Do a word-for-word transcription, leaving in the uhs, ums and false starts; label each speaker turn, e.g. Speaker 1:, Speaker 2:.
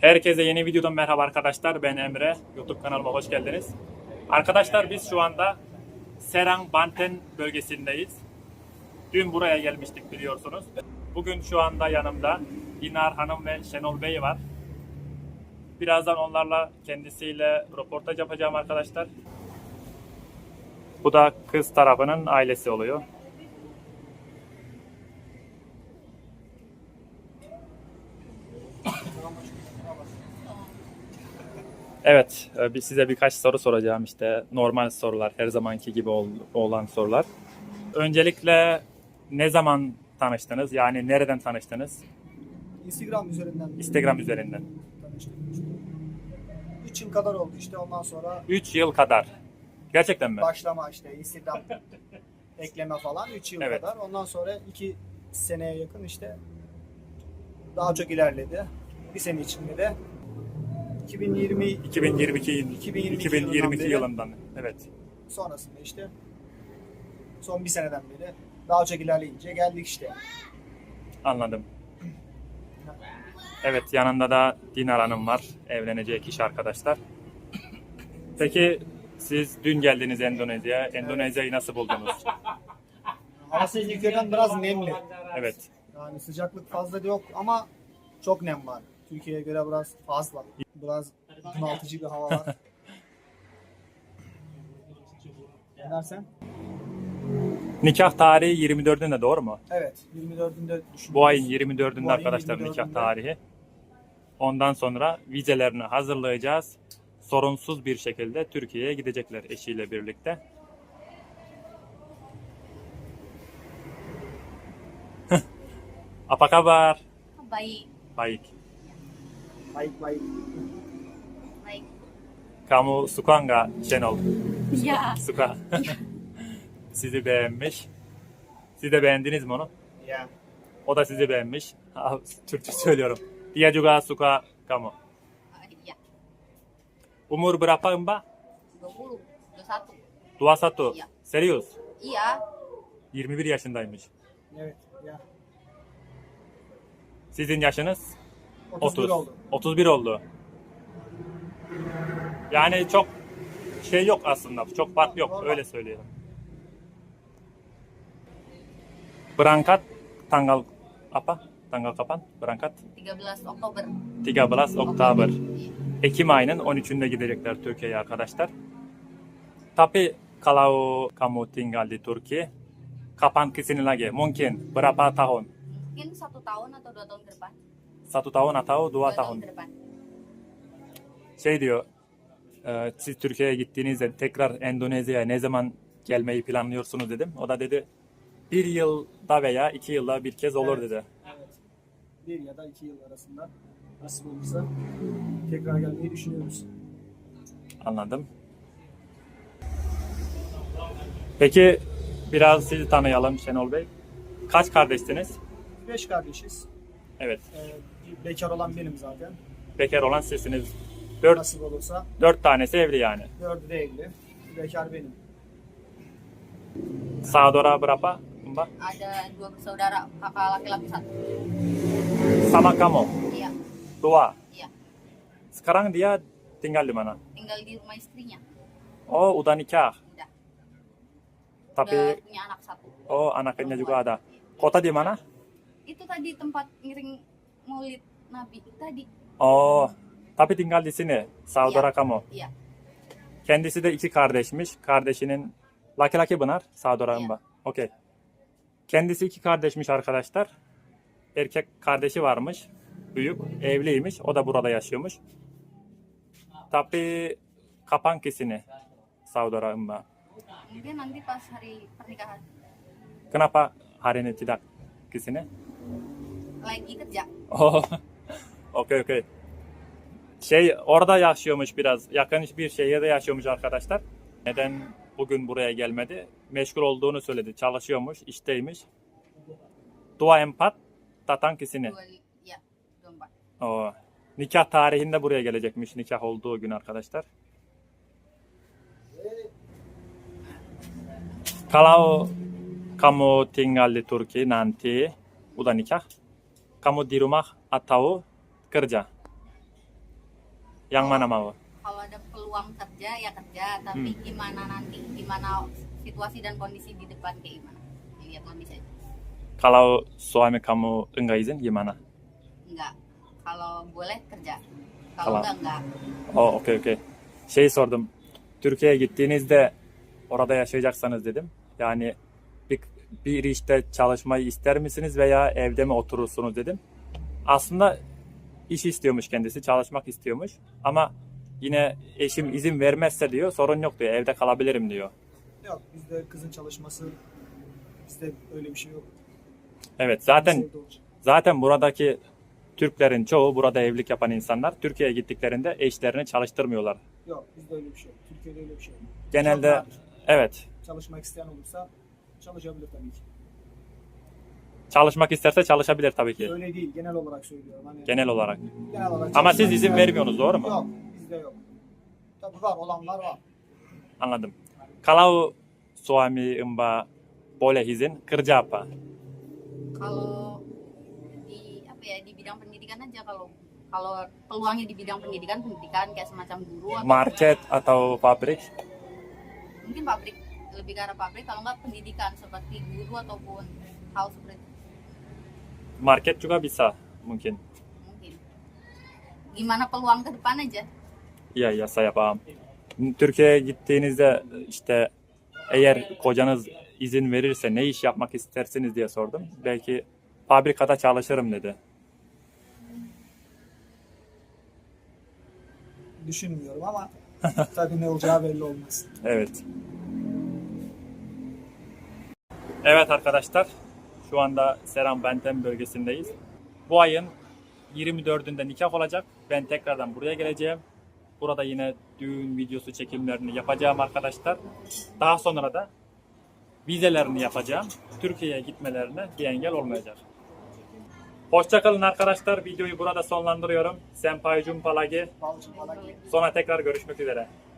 Speaker 1: Herkese yeni videodan merhaba arkadaşlar. Ben Emre. YouTube kanalıma hoş geldiniz. Arkadaşlar biz şu anda Serang Banten bölgesindeyiz. Dün buraya gelmiştik biliyorsunuz. Bugün şu anda yanımda Dinar Hanım ve Şenol Bey var. Birazdan onlarla kendisiyle röportaj yapacağım arkadaşlar. Bu da kız tarafının ailesi oluyor. Evet, bir size birkaç soru soracağım işte normal sorular, her zamanki gibi olan sorular. Öncelikle ne zaman tanıştınız? Yani nereden tanıştınız?
Speaker 2: Instagram üzerinden.
Speaker 1: Instagram üzerinden.
Speaker 2: Tanıştık. üç yıl kadar oldu işte ondan sonra
Speaker 1: üç yıl kadar. Gerçekten mi?
Speaker 2: başlama işte Instagram ekleme falan üç yıl
Speaker 1: Evet.
Speaker 2: kadar. Ondan sonra iki seneye yakın işte daha çok ilerledi. Bir sene içinde de iki bin yirmi
Speaker 1: iki bin yirmi iki,
Speaker 2: iki bin yirmi iki
Speaker 1: iki bin yirmi iki
Speaker 2: yılından
Speaker 1: yılından. Evet.
Speaker 2: sonrasında işte son bir seneden beri daha çok ilerleyince geldik işte.
Speaker 1: Anladım. Evet, yanında da Dinar Hanım var. Evlenecek kişi arkadaşlar. Peki siz dün geldiniz Endonezya'ya. Endonezya'yı nasıl buldunuz?
Speaker 2: Havası Türkiye'den biraz nemli.
Speaker 1: Evet.
Speaker 2: Yani sıcaklık fazla da yok ama çok nem var. Türkiye'ye göre biraz fazla. Biraz bunaltıcı bir hava var. Ne dersen?
Speaker 1: Nikah tarihi yirmi dördünde doğru mu?
Speaker 2: Evet, yirmi dördünde düşünüyoruz.
Speaker 1: Bu ayın yirmi dördünde
Speaker 2: Bu ayın
Speaker 1: arkadaşlar
Speaker 2: yirmi
Speaker 1: nikah
Speaker 2: dördünde.
Speaker 1: tarihi. Ondan sonra vizelerini hazırlayacağız. Sorunsuz bir şekilde Türkiye'ye gidecekler eşiyle birlikte. Apa kabar?
Speaker 3: Baik,
Speaker 1: Baik.
Speaker 2: Baik baik.
Speaker 3: baik.
Speaker 1: Kamu suka nggak Şenol?
Speaker 3: Ya,
Speaker 1: Suka. Sizi beğenmiş. Siz de beğendiniz mi onu?
Speaker 2: Ya.
Speaker 1: O da sizi beğenmiş. Ah, Türkçe söylüyorum. Dia juga suka kamu.
Speaker 3: ya.
Speaker 1: Umur berapa Mbak?
Speaker 3: dua puluh, dua puluh satu.
Speaker 1: dua satu.
Speaker 3: Iya.
Speaker 1: Serius?
Speaker 3: Iya,
Speaker 1: yirmi bir yaşındaymış.
Speaker 2: Evet, ya.
Speaker 1: Sizin yaşınız?
Speaker 2: otuz bir
Speaker 1: otuz.
Speaker 2: oldu.
Speaker 1: otuz bir oldu. Yani çok şey yok aslında. Çok fark yok.
Speaker 2: Normal.
Speaker 1: Öyle söyleyelim. Berangkat tanggal apa? Tanggal kapan? Berangkat?
Speaker 3: tiga belas Oktober.
Speaker 1: tiga belas Oktober.
Speaker 3: Iya.
Speaker 1: Ekim ayının on üçünde gidecekler Türkiye'ye arkadaşlar. Tapi kalau kamu tinggal di Turki, kapan kesini lagi? Mungkin berapa tahun?
Speaker 3: Mungkin satu tahun atau dua tahun ke depan.
Speaker 1: Satu tahun atau dua
Speaker 3: Dua
Speaker 1: tahun?
Speaker 3: ke depan.
Speaker 1: Şey diyor, e, siz Türkiye'ye gittiğinizde tekrar Endonezya'ya ne zaman gelmeyi planlıyorsunuz dedim. O da dedi bir yılda veya iki yılda bir kez olur
Speaker 2: Evet.
Speaker 1: dedi.
Speaker 2: Evet. Bir ya da iki yıl arasında nasıl olursa tekrar gelmeyi düşünüyoruz.
Speaker 1: Anladım. Peki biraz sizi tanıyalım Şenol Bey. Kaç kardeşsiniz?
Speaker 2: Beş kardeşiz.
Speaker 1: Evet.
Speaker 2: Ee, bekar olan benim zaten.
Speaker 1: Bekar olan sizsiniz. Dört,
Speaker 2: Nasip olursa
Speaker 1: dört tanesi evli yani.
Speaker 2: dördü de evli. Bekar benim.
Speaker 1: Saudara berapa Mbak?
Speaker 3: Ada dua bersaudara, kakak laki-laki satu.
Speaker 1: Sama kamu?
Speaker 3: Iya,
Speaker 1: Dua.
Speaker 3: iya.
Speaker 1: Sekarang dia tinggal di mana?
Speaker 3: Tinggal di rumah istrinya.
Speaker 1: Oh, udah nikah.
Speaker 3: Udah.
Speaker 1: Tapi
Speaker 3: Udah punya anak satu.
Speaker 1: oh, anaknya juga ada. Kota di mana?
Speaker 3: Itu tadi tempat ngiring maulid Nabi tadi.
Speaker 1: Oh, tapi tinggal di sini saudara
Speaker 3: Iya.
Speaker 1: kamu.
Speaker 3: Iya.
Speaker 1: Kendisi de iki kardeşmiş. Kardeşinin laki-laki benar saudara
Speaker 3: Iya.
Speaker 1: Mbak. Okey. Kendisi iki kardeşmiş arkadaşlar. Erkek kardeşi varmış. Büyük, evliymiş. O da burada yaşıyormuş. Tapi kapan kesini saudara Mbak?
Speaker 3: Mungkin nanti pas hari pernikahan
Speaker 1: Kenapa hari ini tidak kesini?
Speaker 3: lagi kerja.
Speaker 1: Oh, okey okey. Şey orada yaşıyormuş biraz. Yakın bir şehirde yaşıyormuş arkadaşlar. Neden bugün buraya gelmedi? Meşgul olduğunu söyledi. Çalışıyormuş, işteymiş. Dua empat tatang kesini.
Speaker 3: Dua, ya, dua empat.
Speaker 1: Oh. Nikah tarihinde buraya gelecekmiş. Nikah olduğu gün arkadaşlar. Kalau kamu tinggal di Turki nanti udah nikah, kamu di rumah atau kerja? Yang mana mau?
Speaker 3: Kalau ada peluang kerja ya kerja, tapi
Speaker 1: Hmm.
Speaker 3: gimana nanti, gimana situasi dan kondisi di depan kayak gimana? Ya, lihat kondisi aja.
Speaker 1: Kalau suami kamu enggak izin gimana?
Speaker 3: Enggak. Kalau boleh kerja.
Speaker 1: Kalau-
Speaker 3: Kalau enggak enggak.
Speaker 1: Oh, okey okey. Şey sordum. Türkiye'ye gittiğinizde orada yaşayacaksanız dedim. Yani bir, bir işte çalışmayı ister misiniz veya evde mi oturursunuz dedim. Aslında iş istiyormuş kendisi, çalışmak istiyormuş. Ama yine eşim izin vermezse diyor, sorun yok diyor, evde kalabilirim diyor.
Speaker 2: Yok bizde kızın çalışması bizde öyle bir şey yok.
Speaker 1: Evet, zaten
Speaker 2: Biz evde olacak.
Speaker 1: zaten buradaki Türklerin çoğu, burada evlilik yapan insanlar Türkiye'ye gittiklerinde eşlerini çalıştırmıyorlar.
Speaker 2: Yok bizde öyle bir şey yok. Türkiye'de öyle bir şey yok.
Speaker 1: Genelde
Speaker 2: Çok nadir.
Speaker 1: evet,
Speaker 2: Çalışmak isteyen olursa çalışabilir tabii ki.
Speaker 1: çalışmak isterse çalışabilir tabii ki.
Speaker 2: Öyle değil genel olarak söylüyorum. Hani
Speaker 1: Genel olarak.
Speaker 2: genel olarak
Speaker 1: Ama
Speaker 2: çalışmak
Speaker 1: siz izin
Speaker 2: isteyen-
Speaker 1: vermiyorsunuz, doğru mu?
Speaker 2: Yok bizde yok. Tabii var olanlar var.
Speaker 1: Anladım. Kalau suami Mbak boleh izin, kerja apa?
Speaker 3: Kalau di apa ya di bidang pendidikan aja kalau kalau peluangnya di bidang pendidikan pendidikan kayak semacam guru atau
Speaker 1: Market atau pabrik?
Speaker 3: mungkin pabrik, lebih ke arah pabrik, kalau nggak pendidikan seperti guru ataupun hal seperti itu.
Speaker 1: Market juga bisa mungkin.
Speaker 3: Mungkin gimana peluang ke depan aja.
Speaker 1: İyi iya saya paham. Türkiye'ye gittiğinizde işte eğer kocanız izin verirse ne iş yapmak istersiniz diye sordum. Belki fabrikada çalışırım dedi.
Speaker 2: Düşünmüyorum ama tabii ne olacağı belli olmaz.
Speaker 1: Evet. Evet arkadaşlar, şu anda Seram Benten bölgesindeyiz. Bu ayın yirmi dördünde nikah olacak. Ben tekrardan buraya geleceğim. Burada yine düğün videosu çekimlerini yapacağım arkadaşlar. Daha sonra da vizelerini yapacağım. Türkiye'ye gitmelerine bir engel olmayacak. Hoşçakalın arkadaşlar. Videoyu burada sonlandırıyorum. Senpai Jumpa lagi.
Speaker 2: Balcı falan.
Speaker 1: Sonra tekrar görüşmek üzere.